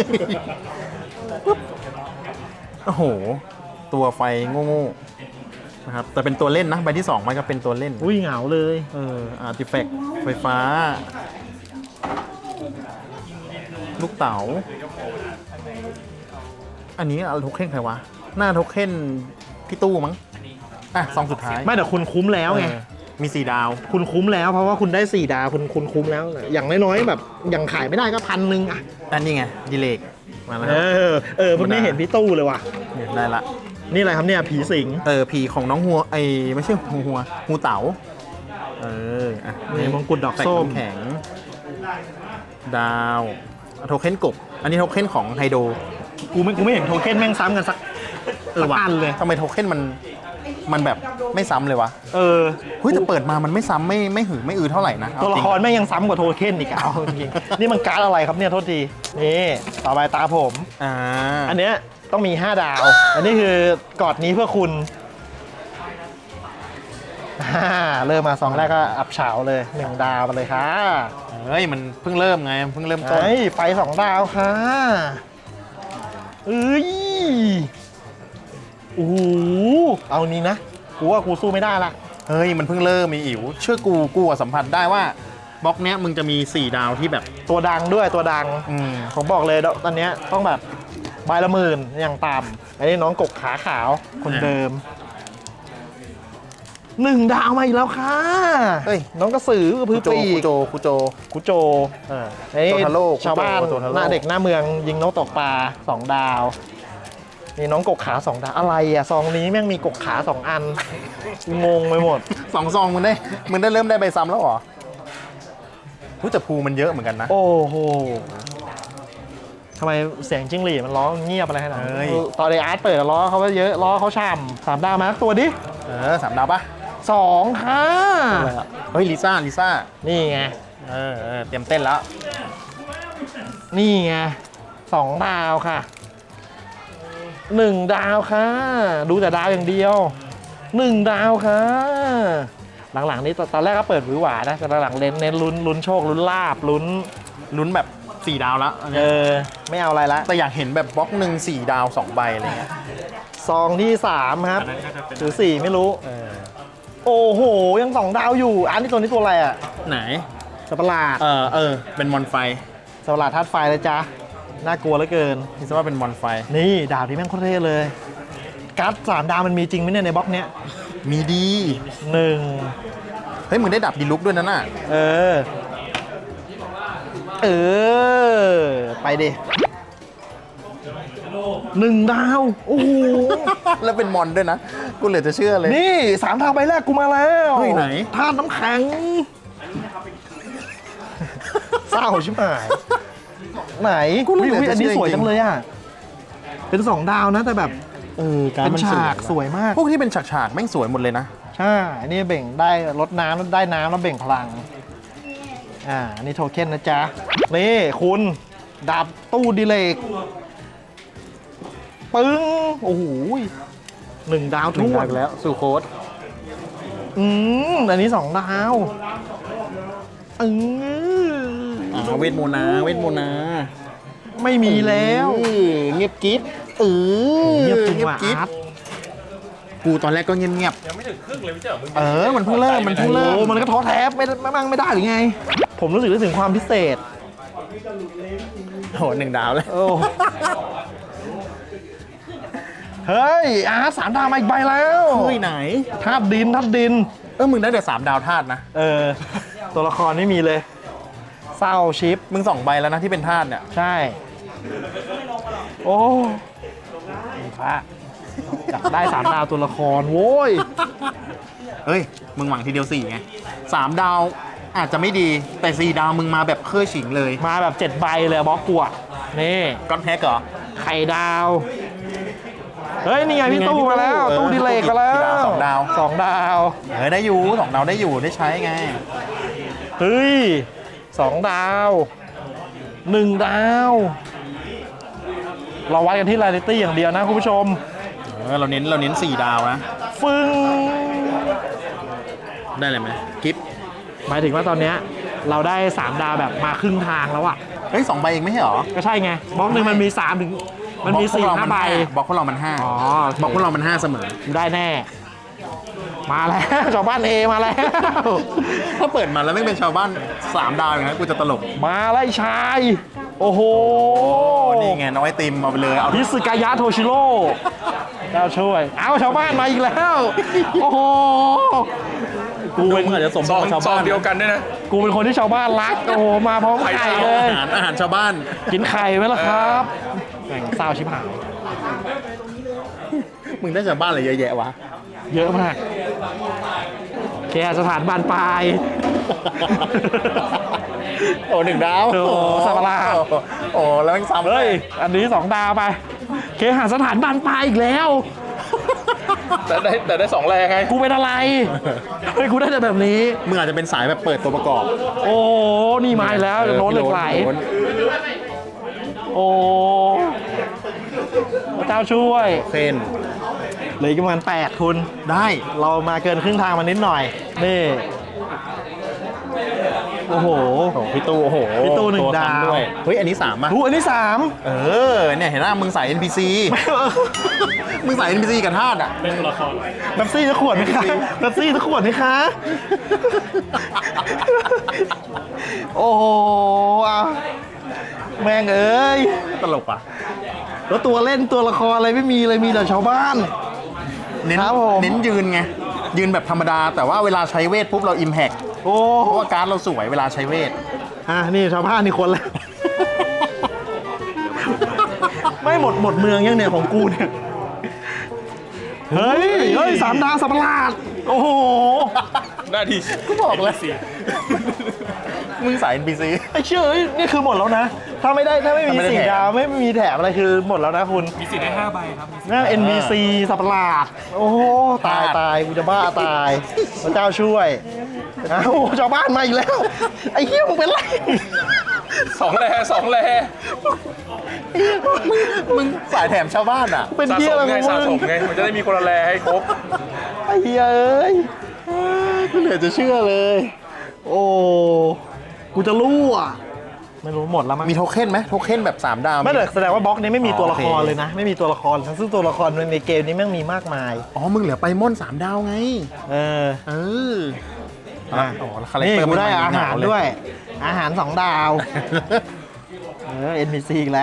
[SPEAKER 2] โอ้โห ตัวไฟโง่นะครับแต่เป็นตัวเล่นนะใบที่สองมันก็เป็นตัวเล่น
[SPEAKER 1] อุ้ยเหงาเลย
[SPEAKER 2] เอออาร์ติแฟกต์ไฟฟ้า ลูกเต๋าอันนี้เอาโทเค็นใครวะหน้าโทเค็นพี่ตู้มั้งอ่ะซองสุดท้าย
[SPEAKER 1] ไม่แต่คุณคุ้มแล้วไง
[SPEAKER 2] เออมีสี่ดาว
[SPEAKER 1] คุณคุ้มแล้วเพราะว่าคุณได้สี่ดาวคุณคุณคุ้มแล้ว อย่างน้อยๆแบบอย่างขายไม่ได้ก็พันหนึ่งอ่ะ
[SPEAKER 2] อันนี้ไงดีเลกมาแล้ว
[SPEAKER 1] เออเออเพิ่งได้เห็นพี่ตู้เลยว่ะ
[SPEAKER 2] เนี่ยได้ละ
[SPEAKER 1] นี่อะไรครับเนี่ยผีสิง
[SPEAKER 2] เออผีของน้องหัวไอไม่ใช่หัวหัวงูเต๋าเอออ่ะ
[SPEAKER 1] นี่มงกุฎดอก
[SPEAKER 2] แตก
[SPEAKER 1] ส้ม
[SPEAKER 2] น้ำแข็งดาวโทเค็นกบอันนี้โทเค็นของไฮโด
[SPEAKER 1] กูไม่กูไม่เห็นโทเค็นแม่งซ้ำกันสัก
[SPEAKER 2] เออ
[SPEAKER 1] สัก
[SPEAKER 2] ว่ะ
[SPEAKER 1] อันเลย
[SPEAKER 2] ทำไมโทเค็นมันมันแบบไม่ซ้ำเลยวะ
[SPEAKER 1] เออ
[SPEAKER 2] เฮ้ยแต่เปิดมามันไม่ซ้ำไม่ไม่หือไม่อือเท่าไหร่นะ
[SPEAKER 1] ตัวละคร
[SPEAKER 2] เอาจง
[SPEAKER 1] แม่งยังซ้ำกว่าโทเค็นอีกอะเอาจริงๆนี่มันการ์ดอะไรครับเนี่ยโทษทีนี่ต่อไปตาผม
[SPEAKER 2] อ่า
[SPEAKER 1] อันเนี้ยต้องมี ห้า ดาว อันนี้คือกอดนี้เพื่อคุณอ่าเริ่มมาสองแรกก็อับเฉาเลยหนึ่งดาวมาเลยค่ะ
[SPEAKER 2] เฮ้ยมันเพิ่งเริ่มไงเพิ่งเริ่มต้น
[SPEAKER 1] ไอ้ไฟสองดาวค่ะเอ้ยโอ้โหเอานี้นะกูว่ากูสู้ไม่ได้ละ
[SPEAKER 2] เฮ้ยมันเพิ่งเริ่มมีอิ๋วเชื่อกูกูอะสัมผัสได้ว่าบล็อกเนี้ยมึงจะมีสี่ดาวที่แบบ
[SPEAKER 1] ตัวดังด้วยตัวดัง
[SPEAKER 2] อืม
[SPEAKER 1] ผมบอกเลยตอนเนี้ยต้องแบบใบละหมื่นอย่างต่ำอันนี้น้องกกขาขาวคนเดิมหนึ่งดาวมาอีกแล้วค่ะ
[SPEAKER 2] เฮ้ย
[SPEAKER 1] น้องกระสือกับพื้
[SPEAKER 2] คุ
[SPEAKER 1] น
[SPEAKER 2] โจ
[SPEAKER 1] ปี
[SPEAKER 2] คุ
[SPEAKER 1] ก
[SPEAKER 2] โจคุโจ
[SPEAKER 1] คุโจ
[SPEAKER 2] เออ
[SPEAKER 1] ไอ้
[SPEAKER 2] โตทาโร่คุโจ
[SPEAKER 1] ชาวบ้าน
[SPEAKER 2] โตทาโร่
[SPEAKER 1] หน้าเด็กหน้าเมืองยิงนกตกปลาสองดาวนี่น้องกกขาสองดาวอะไรอ่ะซองนี้แม่งมีกกขาสองอันงงไปหมด
[SPEAKER 2] สองซองมึงได้มึงได้เริ่มได้ใบซ้ำแล้วเหรอรู้แต่ภูมันเยอะเหมือนกันนะ
[SPEAKER 1] โอ้โหทำไมเสียงจิ้งหรีดมันร้องเงียบอะไรขนาดนั้น
[SPEAKER 2] เฮ้ย
[SPEAKER 1] ตอนไออาร์ตเปิดล้อเขาว่าเยอะล้อเขาช่ำสามดาวมาสักตัวดิ
[SPEAKER 2] เออสามดาวปะ
[SPEAKER 1] สองค่ะ
[SPEAKER 2] เฮ้ยลิซ่าลิซ่า
[SPEAKER 1] นี่ไง
[SPEAKER 2] เออเออเตรียมเต้นแล้ว
[SPEAKER 1] นี่ไงสองดาวค่ะหนึ่งดาวค่ะ ดูแต่ดาวอย่างเดียวหนึ่งดาวค่ะ หลังๆนี้ตอนแรกก็เปิดหวือหวานะแต่หลังๆเน้นเน้นลุ้นลุ้นโชคลุ้นลาบลุ้น
[SPEAKER 2] ลุ้นแบบสี่ดาวแล้วอัน
[SPEAKER 1] เอ
[SPEAKER 2] เนี้ย
[SPEAKER 1] อไม่เอาอะไรละ
[SPEAKER 2] แต่อยากเห็นแบบบล็อกหนึ่งสี่ดาวสองใบอะไรเงี้ย
[SPEAKER 1] ซองที่สามครับ
[SPEAKER 3] อันนั้นก็จะเป็น
[SPEAKER 1] หรือสี่ไม่รู้
[SPEAKER 2] เออ
[SPEAKER 1] โอ้โหยังสองดาวอยู่อันนี้ตัวนี้ตัวอะไรอ่ะ
[SPEAKER 2] ไหน
[SPEAKER 1] สัตว์ประหลาด
[SPEAKER 2] เออเออเป็นมอนไฟ
[SPEAKER 1] สัตว์ประหลาดธาตุไฟเลยจ้ะน่ากลัวเหลือเกิน
[SPEAKER 2] คิดซะว่าเป็นมอนไฟ
[SPEAKER 1] นี่ดาวที่แม่งโคตรเท่เลยการ์ดสามดาวมันมีจริงไหมเนี่ยในบล็อกเนี้ย
[SPEAKER 2] มีดี
[SPEAKER 1] หนึ่ง
[SPEAKER 2] เฮ้ยมึงได้ดับดีลุกด้วยนะน่ะ
[SPEAKER 1] เออ เออ ไปดิหนึ่งดาว โอ้โห
[SPEAKER 2] แล้วเป็นมอนด้วยนะ กูเหลือจะเชื่อเลย
[SPEAKER 1] นี่สามดาวใบแรกกูมาแล้ว
[SPEAKER 2] เฮ้ยไหน
[SPEAKER 1] ธาตุน้ำแข็ง เศร้าชิบหาย ไหน
[SPEAKER 2] กูรู้
[SPEAKER 1] อุ๊ย
[SPEAKER 2] เหลือ
[SPEAKER 1] อุ๊ย
[SPEAKER 2] จะ
[SPEAKER 1] อันนี้
[SPEAKER 2] เชื่อ
[SPEAKER 1] สวย
[SPEAKER 2] จริง
[SPEAKER 1] จังเลยอ่ะ เป็นสองดาวนะแต่แบบ
[SPEAKER 2] เออการ
[SPEAKER 1] เป็น
[SPEAKER 2] มัน
[SPEAKER 1] ฉาก
[SPEAKER 2] นะ
[SPEAKER 1] สวยมาก
[SPEAKER 2] พวกที่เป็นฉากฉากๆแม่งสวยหมดเลยนะ
[SPEAKER 1] ใช่ อันนี้เบ่งได้ลดน้ำแล้วได้น้ำแล้วเบ่งพลัง อ่า อันนี้โทเค็นนะจ๊ะ นี่คุณดาบตู้ดิเลก ปึ้ง โอ้โหหนึ่งดาว
[SPEAKER 2] หนึ่
[SPEAKER 1] ทุ่
[SPEAKER 2] ง
[SPEAKER 1] ว
[SPEAKER 2] ดาวน อีกแล้วสู่โค้ด
[SPEAKER 1] อืม อันนี้สองดาว อืม
[SPEAKER 2] อ่าเวทโมนาเวทโมนา
[SPEAKER 1] ไม่มีแล้ว
[SPEAKER 2] เออเงียบกิ๊บเออ
[SPEAKER 1] เงียบจริงว่ะ
[SPEAKER 2] กิ๊บ
[SPEAKER 1] อาร์ต
[SPEAKER 2] กูตอนแรกก็เงียบเงียบ
[SPEAKER 4] ยังไม่ถึงครึ่งเลยไม่ใช่เหรอมึง
[SPEAKER 2] ๆเออมันเพิ่งเริ่มมันเพิ่งเริ่ม
[SPEAKER 1] โอ้มันก็ท้อแท้ไม่ไม่มั่งไม่ได้หรือไง ผมรู้สึกได้ถึงความพิเศษ
[SPEAKER 2] โหหนึ่งดาวเลย
[SPEAKER 1] โอ้ เฮ้ย อาร์ตสามดาวมาอีกใบแล้ว
[SPEAKER 2] เฮ้ยไหน
[SPEAKER 1] ธาตุดินธาตุดิน
[SPEAKER 2] เออมึงได้แต่สามดาวธาตุนะ
[SPEAKER 1] เออ ตัวละครไม่มีเลย เศร้าชิป
[SPEAKER 2] มึงสองใบแล้วนะที่เป็นธาตุเนี่ย
[SPEAKER 1] ใช่ โอ้พระอยากได้สามดาวตัวละครโว้ย
[SPEAKER 2] เฮ้ยมึงหวังทีเดียวสี่ไงสามดาวอาจจะไม่ดีแต่สี่ดาวมึงมาแบบเครื่อฉิงเลย
[SPEAKER 1] มาแบบเจ็ดใบเลยอะบล็อกกัวนี่
[SPEAKER 2] ก้อนแพ็กเหรอ
[SPEAKER 1] ไข่ดาว เฮ้ย นี่ไงพี่ตู้มาแล้ว
[SPEAKER 2] เออ
[SPEAKER 1] ตู้ดิเลกมาแล้ว
[SPEAKER 2] กี่ดาวสองดาว
[SPEAKER 1] สองดาว
[SPEAKER 2] เออได้อยู่สองดาวได้อยู่ได้ใช้ไง
[SPEAKER 1] เฮ้ยสองดาวหนึ่งดาว เราวัดกันที่รายลิตี้อย่างเดียวนะคุณผู้ชม
[SPEAKER 2] เออเราเน้นเราเน้นสี่ดาวนะ
[SPEAKER 1] ฟึ้ง
[SPEAKER 2] ได้เลยไหมกิฟ
[SPEAKER 1] หมายถึงว่าตอนเนี้ยเราได้สามดาวแบบมาครึ่งทางแล้วอะ
[SPEAKER 2] เฮ้ยสองใบเองไม่ใช่เหรอ
[SPEAKER 1] ก็ใช่ไงบล็อกหนึ่งมันมีสามถึงมันมีสี่ห้าใบบ
[SPEAKER 2] ล็อกพวกเรามันห้า
[SPEAKER 1] อ๋อบ
[SPEAKER 2] ล็อกพวกเรามันห้าเสมอ
[SPEAKER 1] ได้แน่มาแล้วชาวบ้านเอมาแล้ว
[SPEAKER 2] ถ้าเปิดมาแล้วไม่เป็นชาวบ้านสามดาวอย่างนั้นกูจะตลก
[SPEAKER 1] มาไล่ชาย โอ้โห
[SPEAKER 2] นี่ไงน้องไอติมเอาไปเลยเอา
[SPEAKER 1] พิสกายะโทชิโร่เจ้าช่วย เอาชาวบ้านมาอีกแล้ว โอ้โห
[SPEAKER 2] กูเป็นอาจจะสม
[SPEAKER 4] ซ
[SPEAKER 2] บู
[SPEAKER 4] อง
[SPEAKER 2] รณ์ชาว
[SPEAKER 4] ซอง
[SPEAKER 2] บ้าน
[SPEAKER 4] เดียวกันด้วยนะ
[SPEAKER 1] กูเป็นคนที่ชาวบ้านรัก โอ้โห มาพร้อมไข่เล
[SPEAKER 2] อาย หารอาหารชาวบ้าน
[SPEAKER 1] กินไข่ไหมล่ะครับแม่งเศร้าชิบหาย
[SPEAKER 2] มึงได้ชาวบ้านอะไรเยอะแยะวะ
[SPEAKER 1] เยอะมากแกสถานบานปลาย
[SPEAKER 2] โอ้หนึ่งดาว
[SPEAKER 1] โอ้สับปะรด
[SPEAKER 2] โอ้แล้วแม่งซ้ำ
[SPEAKER 1] เฮ้ย อันนี้สองดาวไป เคหาสถานบานปลายอีกแล้ว
[SPEAKER 4] แต่ได้แต่ได้สองแรงไง
[SPEAKER 1] กูเป็นอะไร เฮ้ย กูได้แต่แบบนี้
[SPEAKER 2] มึงอาจจะเป็นสายแบบเปิดตัวประกอบ
[SPEAKER 1] โอ้นี่มาอีกแล้วโน้ตเหล็กไหล
[SPEAKER 2] โน้ต
[SPEAKER 1] โอ้พระเจ้าช่วย
[SPEAKER 2] เส้น
[SPEAKER 1] เหลืออีกประมาณแปดคุณ
[SPEAKER 2] ได้
[SPEAKER 1] เรามาเกินครึ่งทางมานิดหน่อย นี่ โอ้โห
[SPEAKER 2] โอ้พี่ตู้โอ้โห
[SPEAKER 1] พี่ตู้หนึ่ง
[SPEAKER 2] ตัวทำ
[SPEAKER 1] ดาว
[SPEAKER 2] ด้วยเฮ้ยอันนี้สามป่ะ
[SPEAKER 1] หูอันที่สาม
[SPEAKER 2] เออเนี่ยเห็นหน้ามึงสาย เอ็น พี ซี มึงสาย เอ็น พี ซี กับธาตุอ่ะ
[SPEAKER 3] เป็นตัวละคร
[SPEAKER 1] เป๊ปซี่จะขวดไหมคะเป๊ปซี่จะขวดไหมคะ โอ้โหอ่ะแม่งเอ้ย
[SPEAKER 2] ตลกอ่ะ
[SPEAKER 1] แล้วตัวเล่นตัวละครอะไรไม่มีเลย มีแต่ชาวบ้าน
[SPEAKER 2] เน้น
[SPEAKER 1] ครับผม
[SPEAKER 2] เน้นยืนไง ยืนแบบธรรมดา แต่ว่าเวลาใช้เวทปุ๊บเราอิมแพก
[SPEAKER 1] โอ้
[SPEAKER 2] เพราะว่าการ์ดเราสวยเวลาใช้เวท
[SPEAKER 1] อ่ะนี่ชาวบ้านนี่คนแล้ว ไม่หมดหมดเมืองยังเนี่ยของกูเนี่ย เฮ้ย เฮ้ยสามดาวสับประหลาด โอ้โห
[SPEAKER 4] หน้าที่
[SPEAKER 2] ก็บอกแล้วสิ มึงสาย เอ็น พี ซี
[SPEAKER 1] ไอ้เชื่อเอ้ยนี่คือหมดแล้วนะ ถ้าไม่ได้ถ้าไม่มี
[SPEAKER 2] ถ้าไม่ได้
[SPEAKER 1] สี่
[SPEAKER 2] แถม
[SPEAKER 1] ดาวไม่มีแถมอะไรคือหมดแล้วนะคุณ
[SPEAKER 3] มีสิทธิ์ได้ห้าใบครับมีสิทธิ์
[SPEAKER 1] นั่น เอ็น บี ซี สับประหลาด โอ้โหตายตายกูจะบ้าตาย พระเจ้าช่วยอ้าวชาวบ้านมาอีกแล้ว ไอ้เหี้ยมึงเป็นไร
[SPEAKER 4] สองแลสองแล
[SPEAKER 2] มึงสายแถมชาวบ้านอ่ะ
[SPEAKER 1] เป็น
[SPEAKER 4] สะ
[SPEAKER 1] เหี้
[SPEAKER 4] ส
[SPEAKER 1] ยอะไร
[SPEAKER 4] มไง
[SPEAKER 1] ของ
[SPEAKER 4] สะส
[SPEAKER 1] มึ
[SPEAKER 4] ม
[SPEAKER 1] ง
[SPEAKER 4] ไงมันจะได้มีคนละแลให้ครบ
[SPEAKER 1] ไอ้เหี้ยเอ้ย
[SPEAKER 2] กูเหลือจะเชื่อเลย
[SPEAKER 1] โอ้ กูจะรู้อ่ะ ไม่รู้หมดแล้วมั้ง
[SPEAKER 2] มีโทเค็นไหมโทเค็นแบบสามดาว
[SPEAKER 1] ไม่เลยแสดงว่าบล็อกนี้ไม่มีตัวละคร
[SPEAKER 2] โอเค
[SPEAKER 1] เลยนะ ไม่มีตัวละครทั้งซึ่งตัวละครในเกมนี้แม่งมีมากมาย
[SPEAKER 2] อ๋อ มึงเหลือไปม่อนสามดาวไง
[SPEAKER 1] เออ
[SPEAKER 2] เออ
[SPEAKER 1] อ่ะ
[SPEAKER 2] อ๋อคาแรค
[SPEAKER 1] นี่
[SPEAKER 2] เตอร์
[SPEAKER 1] กูได้
[SPEAKER 2] มัน
[SPEAKER 1] อาหาร
[SPEAKER 2] หนาวเลย
[SPEAKER 1] ด้วย อาหารสองดาว เออ เอ็น พี ซี อีกแล้ว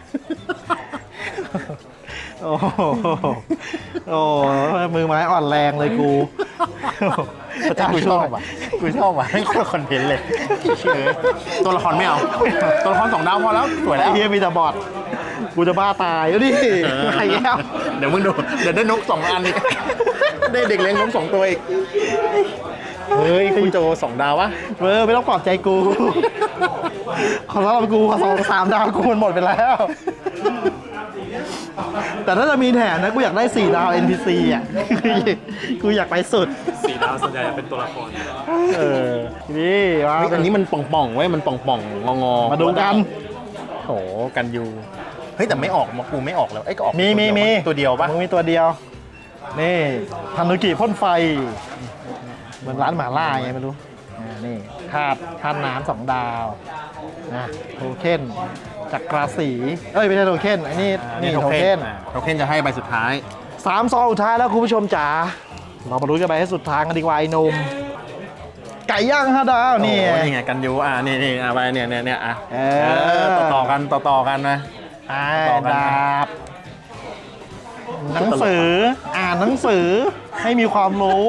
[SPEAKER 1] โอ้โหโอ้โหมือไม้อ่อนแรงเลยกูพระเจ้า
[SPEAKER 2] กูช
[SPEAKER 1] ช่
[SPEAKER 2] อ
[SPEAKER 1] วย
[SPEAKER 2] บอ่ะกูชอบอ่ะให้คนละคอนเทนต์เลยเชื่อตัวละครไม่เอา ตัวละครสองดาวพอแล้ว สวยแล้
[SPEAKER 1] ไอ้
[SPEAKER 2] ว
[SPEAKER 1] เฮียมีแต่บอดกูจะบ้าตายแล้วดิไอ้แล้ว
[SPEAKER 2] เดี๋ยวมึงดู เดี๋ยวได้นกสองอันอีก ได้เด็กเลี้ยงนกสองตัวอีก เฮ้ย คุณโจสองดาววะ
[SPEAKER 1] เออไม่ต้องปลอบใจกู ขอสำหรับกูขอสองสามดาวกูมันหมดไปแล้ว แต่ถ้าจะมีแถมนะกูอยากได้สี่ดาว เอ็น พี ซี อ่ะ กูอยากไปสุด
[SPEAKER 3] สี่ดาวส่วนใหญ่จะเป็นตัวละคร
[SPEAKER 1] เออนี่ว่า
[SPEAKER 2] เฮ้ยอันนี้มันป่องๆเว้ย มันป่องๆ งอๆ
[SPEAKER 1] มาดูกัน
[SPEAKER 2] โอ้กันยู เฮ้ย แต่ไม่ออกมากูไม่ออกแล้วเอ้ยก็ออก
[SPEAKER 1] มีมีมี
[SPEAKER 2] ตัวเดียวปะ
[SPEAKER 1] มึงมีตัวเดียว นี่ทันุกิพ่นไฟ เหมือนร้านหมาล่าไงไม่รู้อ่านี่ธาตุธาตุน้ำสองดาวนะโทเค็นจักราศีเอ้ยไม่ใช่โทเค็นอันนี้นี่โทเค็น
[SPEAKER 2] อ่าโทเค็นจะให้ใบสุดท้าย
[SPEAKER 1] สามซองสุดท้ายแล้วคุณผู้ชมจ๋าเรามาลุ้นกันไปให้สุดทางกันดีกว่าไอ้หนุ่มไก่ย่างห้าดาวนี่
[SPEAKER 2] โอ้นี่ไงกันยูอ่ะนี่นี่อ่ะไปเนี่ยเนี่ยเนี่ยอ่ะ
[SPEAKER 1] เอ
[SPEAKER 2] เอ
[SPEAKER 1] อ
[SPEAKER 2] อต่อต่อกันต่อต่อกันนะ
[SPEAKER 1] อ่า
[SPEAKER 2] ต่อกัน
[SPEAKER 1] ดาบหนังสืออ่านหนังสือให้มีความรู้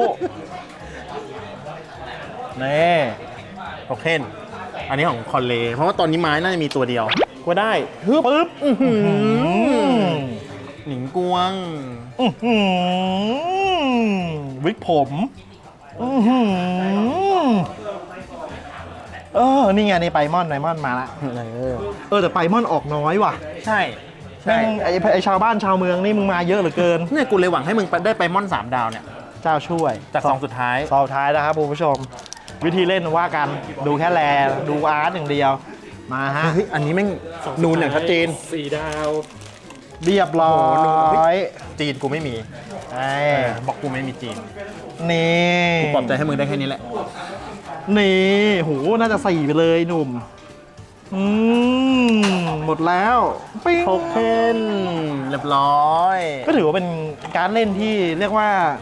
[SPEAKER 1] นี่
[SPEAKER 2] โทเค็นอันนี้ของคอนเลเพราะว่าตอนนี้ไม้น่าจะมีตัวเดียวก็ได้ฮึบปึ๊บอื้อหือ
[SPEAKER 1] อืม
[SPEAKER 2] หนิงกวง
[SPEAKER 1] อื้อหือวิกผมอื้อหือเออ นี่ไงนี่ไปมอนไนมอนมาละ
[SPEAKER 2] เออ
[SPEAKER 1] เออแต่ไปมอนออกน้อยว่ะ
[SPEAKER 2] ใช่ใช่
[SPEAKER 1] แม่งไอ้ไอ้ชาวบ้านชาวเมืองนี่มึงมาเยอะเหลือเกิน
[SPEAKER 2] เนี่ยกูเลยหวังให้มึงได้ไปม่อนสามดาวเนี่ย
[SPEAKER 1] เจ้าช่วย
[SPEAKER 2] จากสองสุดท้าย
[SPEAKER 1] ซองท้ายนะครับคุณผู้ชม วิธีเล่นว่ากันดูแค่แลดูอาร์ตอย่างเดียว มาฮะ
[SPEAKER 2] เฮ้ยอันนี้แม่งนูนอย่างชัดเจน
[SPEAKER 3] สี่ดาว
[SPEAKER 1] เรียบร้อ
[SPEAKER 2] โอ้โหดูเฮ้
[SPEAKER 1] ย
[SPEAKER 2] ย จีนกูไม่มี
[SPEAKER 1] ไอ้
[SPEAKER 2] บอกกูไม่มีจีน
[SPEAKER 1] นี่
[SPEAKER 2] กูปลอบใจให้มึงได้แค่นี้แหละ
[SPEAKER 1] นี่โหน่าจะสี่ไปเลยหนุ่ม อืม หมดแล้วปิ้ง
[SPEAKER 2] โทเค็นเรียบร้อย
[SPEAKER 1] ก็ถือว่าเป็นการเล่นที่เรียกว่า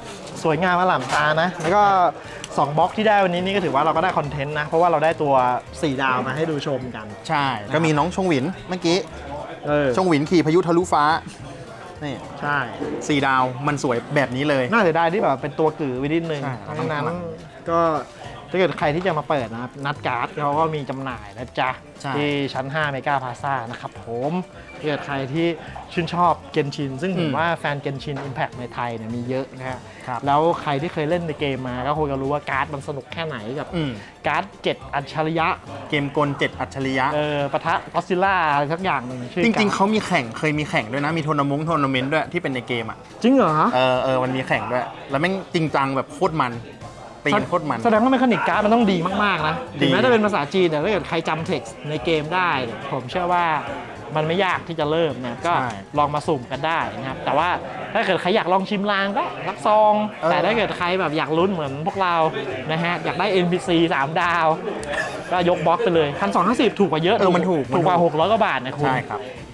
[SPEAKER 1] สวยงามอล่ามตานะ แล้วก็สองบล็อกที่ได้วันนี้นี่ก็ถือว่าเราก็ได้คอนเทนต์นะ เพราะว่าเราได้ตัวสี่ดาวมาให้ดูชมกัน
[SPEAKER 2] ใช่ ก็มีน้องชงหวินเมื่อกี้
[SPEAKER 1] เออ
[SPEAKER 2] ชงหวินขี่พายุทะลุฟ้า นี่
[SPEAKER 1] ใช่
[SPEAKER 2] สี่ดาวมันสวยแบบนี้เลย
[SPEAKER 1] น่าเสียดายที่แบบเป็นตัวกือไวินิดนึง
[SPEAKER 2] ใช่
[SPEAKER 1] เพราะ
[SPEAKER 2] ต้อ
[SPEAKER 1] ฉะ
[SPEAKER 2] ง
[SPEAKER 1] นั้น
[SPEAKER 2] พลัง
[SPEAKER 1] ก็ถ้าเกิดใครที่จะมาเปิดนะครับนัดการ์ดเขาก็มีจำหน่ายนะจ๊ะ
[SPEAKER 2] ใช่
[SPEAKER 1] ที่ชั้นห้าเมกาพาซ่านะครับผมถ้าเกิดใครที่ชื่นชอบเกนชินซึ่งผมว่าแฟนเกนชิน Impact ในไทยเนี่ยมีเยอะนะฮะ
[SPEAKER 2] ครับ
[SPEAKER 1] แล้วใครที่เคยเล่นในเกมมาก็คงจะรู้ว่าการ์ดมันสนุกแค่ไหนกับ
[SPEAKER 2] อืม
[SPEAKER 1] การ์ดเจ็ดอัจฉริยะ
[SPEAKER 2] เกมกลเจ็ดอัจฉริยะ
[SPEAKER 1] เออปะทะก็ซิล่าอะไรสักอย่างหนึ่งชื่อ
[SPEAKER 2] จริง ๆ
[SPEAKER 1] การ์ด
[SPEAKER 2] เขามีแข่ง เคยมีแข่งด้วยนะ มีทัวร์นาเมนต์ทัวร์นาเมนต์ด้วยที่เป็นในเกมอ่ะ
[SPEAKER 1] จริงเหรอ
[SPEAKER 2] เออเออมันมีแข่งด้วย แล้วแม่งจริงจังแบบโคตรมันตีกันโคตรมัน
[SPEAKER 1] แสดงว่าเมคานิกการ์ดมันต้องดีมากๆนะ
[SPEAKER 2] ดี
[SPEAKER 1] ถึงแม้จะเป็นภาษาจีนแต่ถ้าเกิดใครจำเท็กซ์ในเกมได้เนี่ยผมเชื่อว่ามันไม่ยากที่จะเริ่มนะก็ลองมาสุ่มกันได้นะครับแต่ว่าถ้าเกิดใครอยากลองชิมลางก็รักซอง แต่ถ้าเกิดใครแบบอยากลุ้นเหมือนพวกเรานะฮะอยากได้ เอ็น พี ซี สามดาวก็ยกบล็อกไปเลยพันสองห้าสิบถูกกว่าเยอะ
[SPEAKER 2] เออมันถูก
[SPEAKER 1] ถูกกว่าหกร้อยกว่าบาทนะคุณ
[SPEAKER 2] ใช่ครับ